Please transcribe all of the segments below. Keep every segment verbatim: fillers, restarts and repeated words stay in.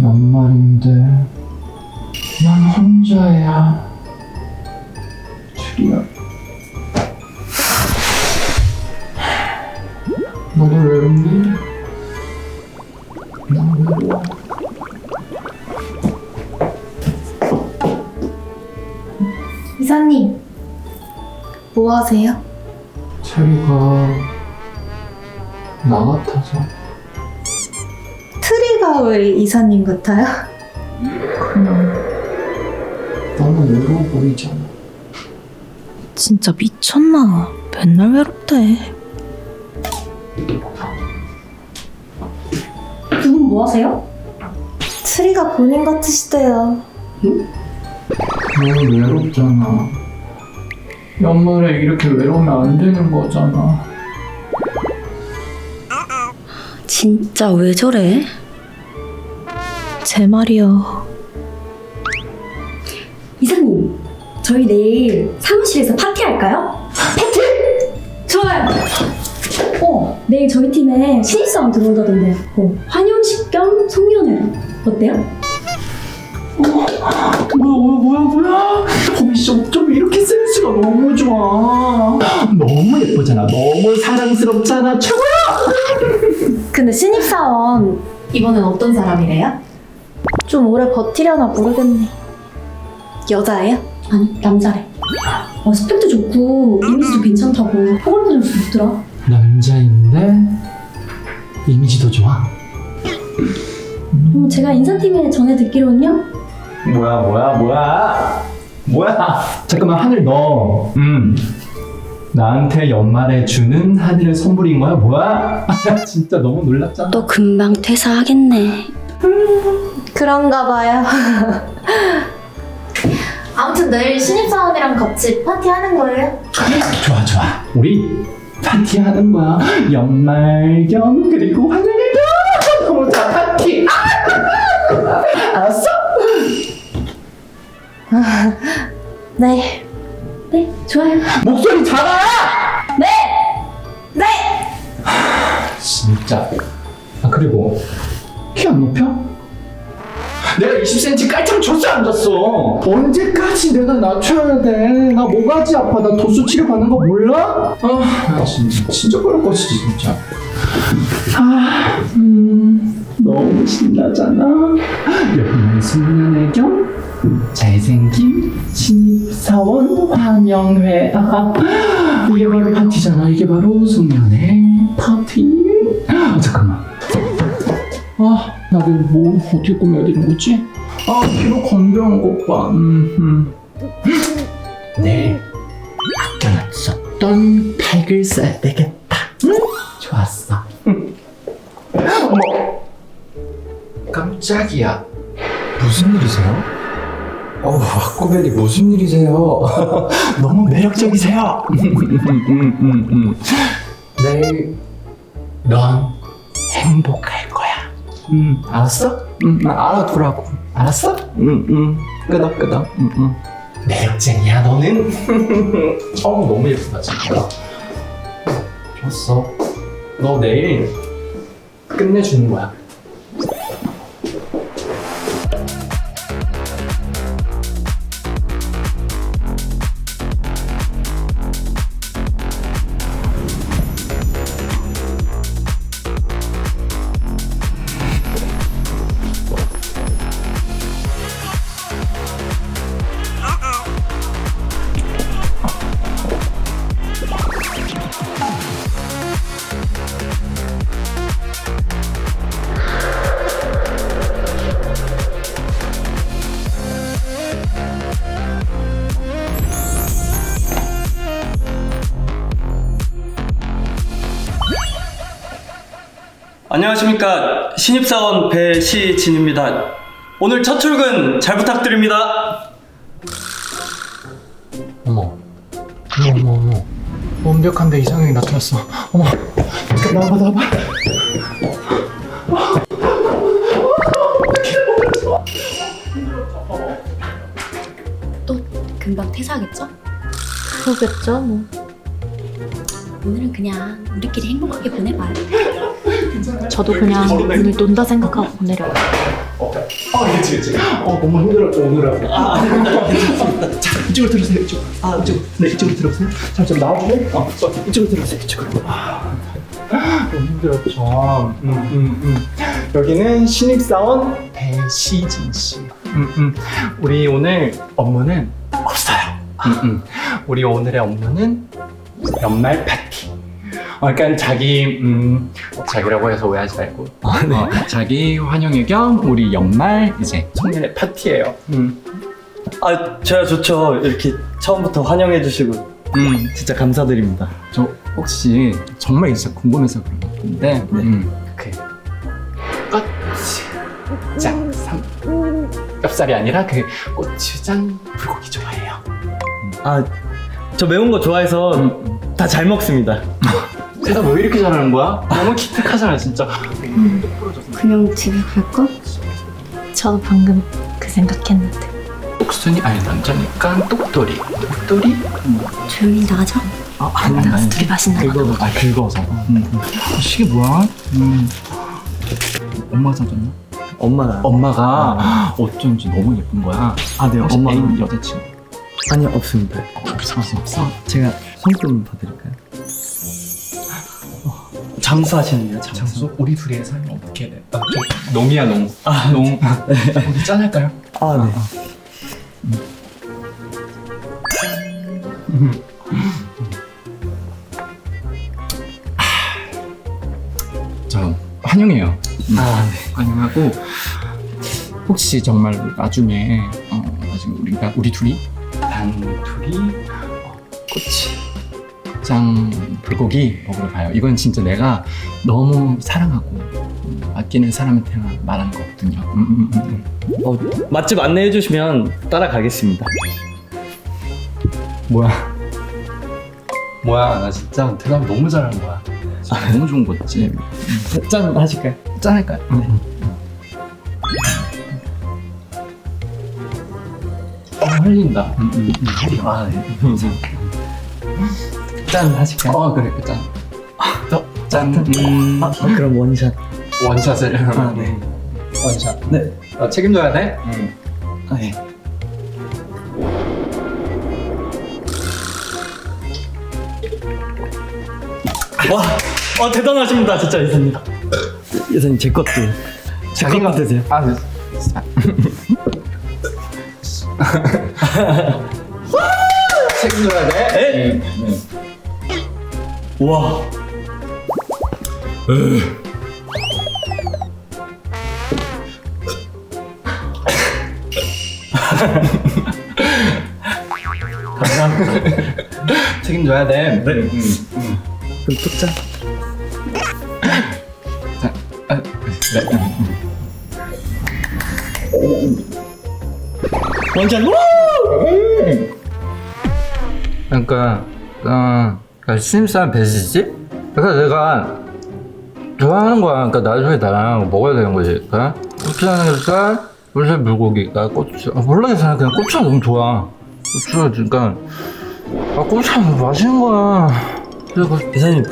연말인데 난 혼자야. 줄이야. 너는 외롭니? 난 외로워. 이사님, 뭐 하세요? 체리가 나 같아서. 트리가 왜 이사님 같아요? 그냥 너무 외로워 보이잖아. 진짜 미쳤나? 맨날 외롭대. 두 분 뭐 하세요? 트리가 본인 같으시대요. 너무 외롭잖아. 연말에 이렇게 외로우면 안 되는 거잖아. 진짜 왜 저래? 제 말이요. 이사님, 저희 내일 사무실에서 파티할까요? 파티? 좋아요! 어, 내일 저희 팀에 신입사원 들어온다던데 어, 환영식 겸 송년회 어때요? 뭐야 뭐야 뭐야 뭐야. 범이 씨 어쩜 이렇게 센스가 너무 좋아. 너무 예쁘잖아. 너무 사랑스럽잖아. 최고야. 근데 신입사원 이번엔 어떤 사람이래요? 좀 오래 버티려나 모르겠네. 여자예요? 아니, 남자래. 어, 스펙도 좋고 이미지도 괜찮다고 호감도 좀 좋더라. 남자인데 이미지도 좋아. 어, 제가 인사팀에 전해 듣기로는요. 뭐야 뭐야 뭐야 뭐야. 잠깐만, 하늘 너 음 나한테 연말에 주는 하늘의 선물인 거야? 뭐야? 진짜 너무 놀랍잖아. 또 금방 퇴사하겠네. 그런가 봐요. 아무튼 내일 신입사원이랑 같이 파티하는 거예요? 좋아 좋아, 우리 파티하는 거야. 연말 겸 그리고 환영일 겸. 너무 좋아, 파티. 아! 알았어? 네. 네, 좋아요. 목소리 작아. 네! 네! 진짜. 아, 그리고 키 안 높여? 내가 이십 센티미터 깔창 줬어 안 줬어? 언제까지 내가 낮춰야 돼? 나 모가지 아파. 나 도수 치료 받는 거 몰라? 아, 나 진짜 진짜 그럴 것이지 진짜. 아, 음, 너무 신나잖아. 연말 송년회 겸 잘생긴 신입사원 환영회. 아, 이게 바로 파티잖아. 이게 바로 송년회 파티. 아, 잠깐만. 아, 나도 뭐 어떻게 꾸며야 되는 거지? 아, 피로 건조한 것 봐. 음, 음. 내일 아껴놨었던 팩을 써야 되겠다. 음? 좋았어. 음. 어머, 깜짝이야. 무슨 일이세요? 어우, 와꾸벨리 무슨 일이세요? 너무 매력적이세요. 음, 음, 음. 내일 넌 행복할 거야. 음, 알았어? 음, 알아두라고. 알았어? 음, 음. 끄덕 끄덕. 음, 음. 매력쟁이야 너는. 어, 너무 예쁘다 진짜. 좋았어. 너 내일 끝내주는 거야. 안녕하십니까, 신입사원 배시진입니다. 오늘 첫 출근 잘 부탁드립니다. 어머, 어머, 어머, 어머. 완벽한데 이상형이 나타났어. 어머, 나와봐, 나와봐. 또 금방 퇴사하겠죠? 그러겠죠, 뭐. 오늘은 그냥 우리끼리 행복하게 보내봐요. 저도 그냥 오늘 논다 생각하고 보내려고. 어, 어, 그치, 그치. 어, 너무 힘들었죠, 오늘은. 아, 아닙니다. 괜찮습니다. 자, 이쪽으로 들어오세요, 이쪽. 아, 이쪽. 네, 이쪽으로 들어오세요. 자, 좀 나와주세요. 어, 어, 이쪽으로 들어오세요, 이쪽으로. 아, 너무 힘들었죠. 음, 음, 음. 여기는 신입사원 배시진 씨. 음, 음. 우리 오늘 업무는 없어요. 음, 음. 우리 오늘의 업무는 연말 파티. 어, 그러니까 자기 음 자기라고 해서 오해하지 말고 어, 자기 환영회 겸 우리 연말 이제 송년회 파티예요. 음. 아, 저야 좋죠. 이렇게 처음부터 환영해주시고. 음, 진짜 감사드립니다. 저 혹시 정말 진짜 궁금해서 그런 건데 음, 그 고추장 삼겹살이 아니라 그 고추장 불고기 좋아해요. 아, 저 매운 거 좋아해서 음. 다 잘 먹습니다. 대답 왜 이렇게 잘하는 거야? 너무 기특하잖아 진짜. 그냥 집에 갈까? 저도 방금 그 생각했는데. 똑순이 아니 남자니까 똑돌이. 똑돌이? 조용히 나가자. 아 아니 아니. 둘이 맛있나 봐. 긁어서. 아 긁어서. 음. 음. 이게 뭐야? 음. 엄마 사줬나? 엄마가. 엄마가 어쩐지 너무 예쁜 거야. 아, 네, 혹시 엄마가. 애인 여자친구? 아니, 없습니다. 없어 없어 없어. 제가 손금 봐드릴까요? 장수하시는데요, 장수? 장수? 우리 둘의 삶이 어떻게 돼? 아, 저 농이야 농. 아 농. 우리 짠할까요? 아, 네. 저 환영해요. 아, 네. 환영하고 혹시 정말 나중에 어, 나중에 우리가 우리 둘이 단 둘이 어, 고추장 불고기 먹으러 가요. 이건 진짜 내가 너무 사랑하고 음, 아끼는 사람한테 말하는 거거든요. 음, 음, 음, 음. 어, 맛집 안내해주시면 따라가겠습니다. 뭐야? 뭐야? 나 진짜 대답 너무 잘하는 거야. 진짜 너무 좋은 거지. 짠 하실까요? 짠할까요? 응. 어, 흘린다. 응, 응, 응. 아, 네. 짠 하실까요? 어, 그래, 짠. 또, 짠. 음, 아, 그럼 원샷. 원샷을. 아, 네. 원샷. 네. 어, 책임져야 돼? 응. 아, 네. 와, 어, 대단하십니다, 진짜 이사님. 이사님, 제 것도. 제 것도 드세요. 아, 네. 책임져야 돼? 에? 응. 와. 책임져야 돼. 네. 응, 응. 그럼 또 짠. 자, 아, 네. 원샷. 그러니까 어, 그러니까 신입사원 배시지? 그러니까 내가 좋아하는 거야. 그러니까 나중에 나랑 먹어야 되는 거지. 그러니까 고추장살, 물살 물고기, 나 고추. 아, 몰라겠어. 그냥 고추가 너무 좋아. 고추가 그러니까 아 고추가 너무 맛있는 거야. 그래서 이사님.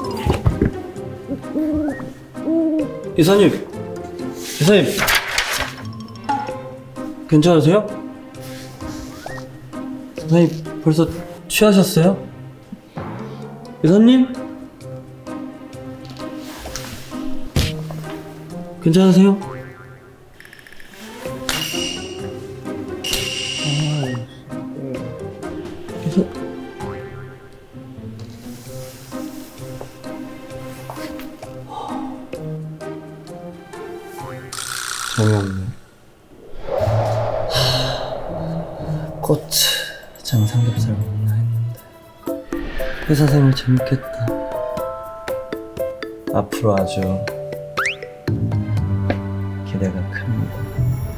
이사님. 이사님. 괜찮으세요? 이사님 벌써 취하셨어요? 이사님? 괜찮으세요? 이사... 재미없네. 고추장 삼겹살 먹나 했는데 회사 생활 재밌겠다. 앞으로 아주 기대가 큽니다.